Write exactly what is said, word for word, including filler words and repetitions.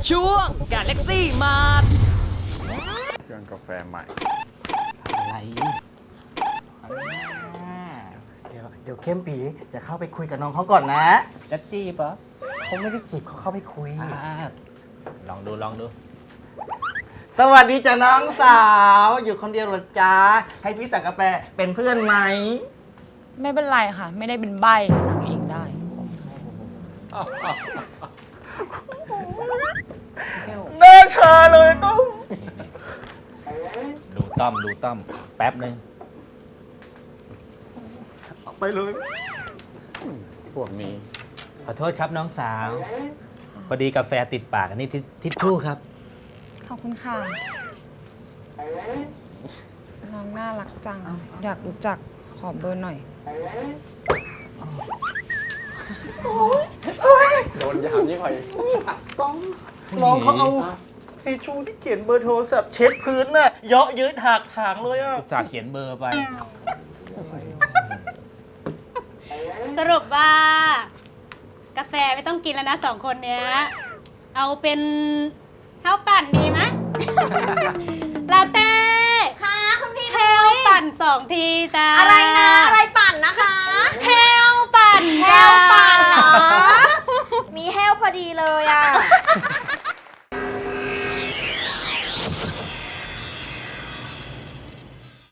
ช่วงกาแล็กซี่มาร์ทเครื่องกาแฟใหม่อะไรเดี๋ยวเดี๋ยวเข้มปีจะเข้าไปคุยกับน้องเขาก่อนนะจะจีบเหรอเขาไม่ได้จีบเขาเข้าไปคุยลองดูลองดู สวัสดีจ้ะน้องสาวอยู่คนเดียวหรอจ๊ะให้พี่สั่งกาแฟเป็นเพื่อนไหมไม่เป็นไรค่ะ ไม่ได้เป็นใบ้สั่งเองได้น่าชาเลยต้องดูต้อมดูต้อมแป๊บนึงเอาไปเลยพวกนี้ขอโทษครับน้องสาว พอดีกาแฟติดปากอันนี้ทิชทิชชู่ครับขอบคุณค่ะ น้องน่ารักจัง อยากรู้จักขอเบอร์หน่อยโดนยามยิ่งกว่าอีกต้องน้องเขาเอาทิชชู่ที่เขียนเบอร์โทรศัพท์เช็ดพื้นน่ะเยาะเยืดหักถางเลยอ่ะอุตส่าห์เขียนเบอร์ไปสรุปว่ากาแฟไม่ต้องกินแล้วนะสองคนเนี้ย เอาเป็นข้าวปั่นดีไหม ลาเต้ค่ะคุณพี่ข้าวปั่นสองทีจ้าอะไรนะ อะไรปั่นนะคะ